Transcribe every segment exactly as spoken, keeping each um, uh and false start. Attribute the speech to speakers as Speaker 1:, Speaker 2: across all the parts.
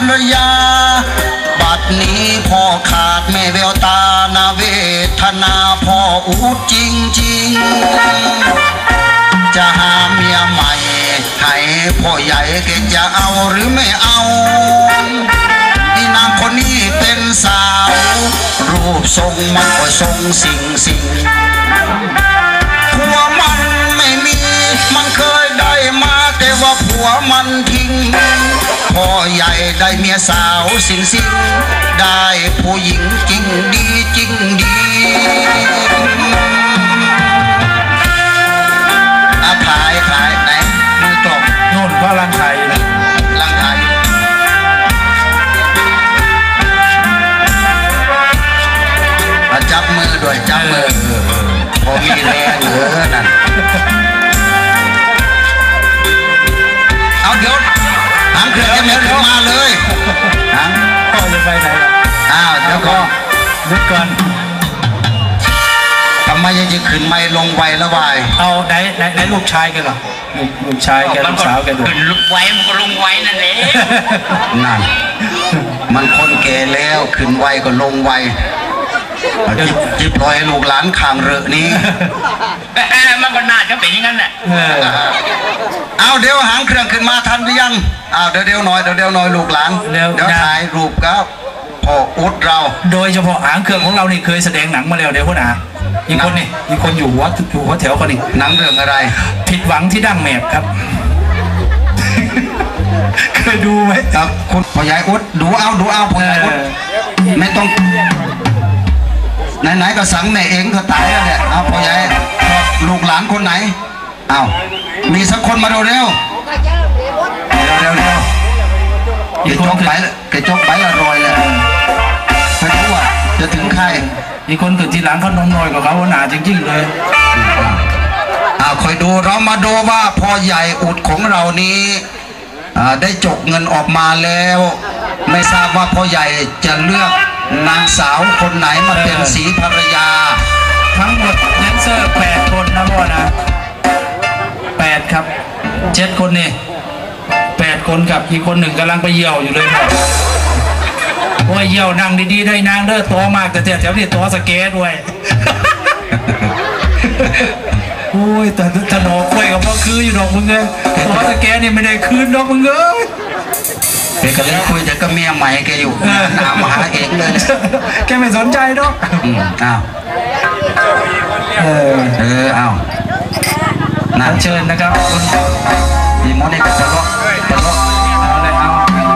Speaker 1: รยาบัดนี้พ่อขาดแม่แววตานาเวทนาพ่ออุดจริงจริงจะหาเมียใหม่ให้พ่อใหญ่แกจะเอาหรือไม่เอาอีนางคนนี้เป็นสาวรูปทรงมันก็ทรงสิ่งสิ่งผัวมันไม่มีมันเคยได้มาแต่ว่าผัวมันทิ้งพ่อใหญ่ได้เมียสาวสิ่งสิ่งได้ผู้หญิงจริงดีจริงดีอาขายขายไหนมือกลบ
Speaker 2: โน่นก็ร่างไทยนะ
Speaker 1: ร่างไทยจับมือด้วยจับมือพอมีแรงเหลือนั่นเอาเดี๋ยวหางเครื่องจะไม่ขึ้นมาเลยหาง
Speaker 2: พ่อจะไปไหนล่ะ
Speaker 1: อ้าวเดี๋ยวก่อน
Speaker 2: นึกก่อน
Speaker 1: ทำไมยังจะขึ้นไม่ลงไวแล้ววาย
Speaker 2: เอาไหนไหนไหนลูกชายกันเหรอลูกชายแกลูกสาวแกดู
Speaker 3: ขึ้นลุกไวมันก็ลงไวนั่นเอง
Speaker 1: นั่นมันคนแก่แล้วขึ้นไวก็ลงไวจิบลอยลูกหลานข่างเรือนี้
Speaker 3: มันก็น่าจะเป็นอย่างนั้นแหละ
Speaker 1: เอาเดี๋ยวหางเครื่องขึ้นมาทันหรือยังเอาเดี๋ยวเดี๋ยวหน่อยเดี๋ยวเดี๋ยวหน่อยลูกหลานเดี๋ยวถ่ายรูปครับพ่ออุดเรา
Speaker 2: โดยเฉพาะหางเครื่องของเรานี่เคยแสดงหนังมาแล้วเดี๋ยวพ่อหนาอีกคนนี่อีกคนอยู่หัวอยู่หัวแถวคนนี้
Speaker 1: หนังเรื่องอะไร
Speaker 2: ผิดหวังที่ดั้งแมบครับเคยดูไหม
Speaker 1: ครับคุณพ่อใหญ่อุดดูเอาดูเอาพ่อใหญ่อุดไม่ต้องไหนๆก็สั่งแม่เองก็ตายแล้วเนี่ยเอาพ่อใหญ่ลูกหลานคนไหนเอามีสักคนมาเร็วเร็วเร็วเร็วเกจกไปเกจกไปอร่อยเลยไม่รู้ว่าจะถึงใคร
Speaker 2: อีกคนเกิดทีหลังเขานมน้อยกว่าเขาหนาจริงๆเลย
Speaker 1: เอาคอยดูเรามาดูว่าพ่อใหญ่อุดของเรานี้ได้จกเงินออกมาแล้วไม่ทราบว่าพ่อใหญ่จะเลือกนางสาวคนไหนมาเป็นสีภรรยา
Speaker 2: ทั้งหมดแดนเซอร์แปดคนนะพ่อนะแปดครับเจ็ดคนนี่แปดคนกับอีกคนหนึ่งกำลังไปเยี่ยวอยู่เลยครับว่าเยี่ยวนั่งดีๆได้นางเด้อตัวมากแต่แถวนี้ตัวสเก็ตด้วยโอ้ยแต่ถนอกล้วยกับพ่อคืออยู่ดอกมึงเลยตัวสเก็ตนี่ไม่ได้คืนดอกมึงเอ้ย
Speaker 1: เด็กก็เลยคุยแต่ก็เมียใหม่แกอยู่หามาหาเองเลย
Speaker 2: แกไม่สนใจดอก
Speaker 1: อ้าวเออเอออ้าว
Speaker 2: น่าเชิญนะครับคุณ
Speaker 1: มีมอนี่ก็จะล็อกจะล็อก
Speaker 2: เอาเลยเอา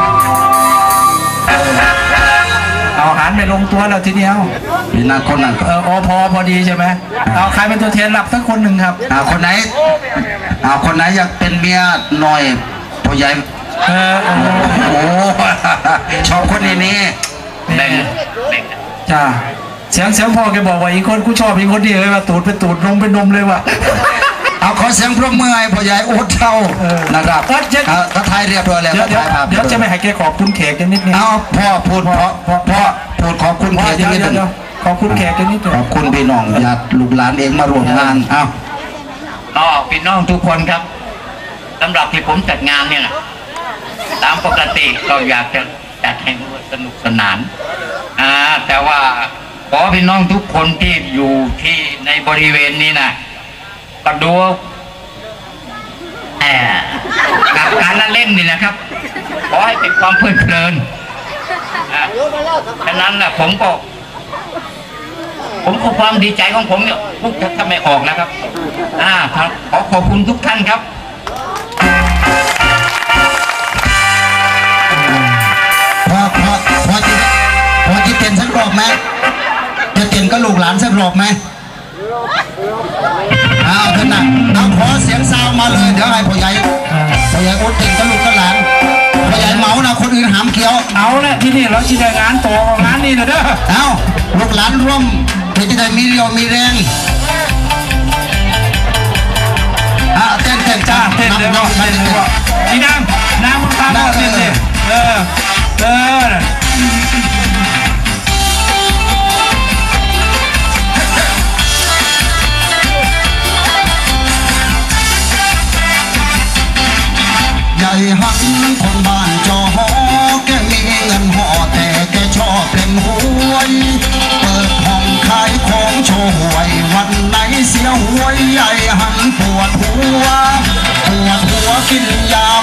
Speaker 2: เอาหันไปลงตัวแล้วทีเดียว
Speaker 1: มีนางคนนั้น
Speaker 2: เออโอพอพอดีใช่ไหมเอาใครเป็นตัวแทนหลับสักคนหนึ่งครับ
Speaker 1: เอาคนไหนเอาคนไหนอยากเป็นเมียหน่อยพ่อใหญ่
Speaker 2: เออโอ้
Speaker 1: โหชอบคนนี้นี่
Speaker 3: แบ่ง
Speaker 2: จ้าเสียงเสียงพ่อแกบอกว่าอีกคนกูชอบอีกคนเดียวเลยว่าตูดเป็นตูดนมเป็นนมเลยว่ะ
Speaker 1: เอาขอเสียงพร้อมมือให้พ่อใหญ่อุดเท่านะครับถ้าไทยเรียบร้อยแล้ว
Speaker 2: เดี๋ยวเดี๋ยวจะไม่ให้แกขอบคุณแขกกันนิดนึง
Speaker 1: เอาพ่อพูดเพราะพ่อพูดขอบคุณแขกนิดนึง
Speaker 2: ขอบคุณแขกกันนิดนึง
Speaker 1: ขอบคุณพี่น้องญาติลูกหลานเองมาร่วมงานเอา
Speaker 3: อ๋อพี่น้องทุกคนครับสำหรับที่ผมจัดงานเนี่ยตามปกติเราอยากจะจัดให้สนุกสนานอ่าแต่ว่าขอพี่น้องทุกคนที่อยู่ที่ในบริเวณนี้นะก็ดูแอบกับการละเล่นนี่นะครับขอให้เป็นความเพลิดเพลินฉะนั้นนะผมก็ผมก็ความดีใจของผมเนี่ยพูดถ้าไม่ออกนะครับอ่าครับขอขอบคุณทุกท่านครับ
Speaker 1: พอพอพอจะพอจะเต้นสักรอบไหมจะเต้นก็ลูกหลานสักรอบไหมเอาเถอะนะเอาขอเสียงซาวมาเลยเดี๋ยวให้พ่อใหญ่พ่อใหญ่อุดเต้นก็ลูกก็หลานพ่อใหญ่เมานะคนอื่นหามเขียว
Speaker 2: เอาแหละที่นี่เราจะได้งานต่องานนี้นะเด้อ
Speaker 1: เอาลูกหลานร่วมเพื่อจะได้มีเรี่ยวมีแรงอ่ะเต้นเต้น
Speaker 2: จ้าเต้นเลยว่าเต้นเลยว่าอีนางนางมันตาบอดเต้นเลยเออเออ
Speaker 1: ใหญ่หันคนบ้านจอหอแกมีหัวใหญ่หันปวดหัวปวดหัวกินยา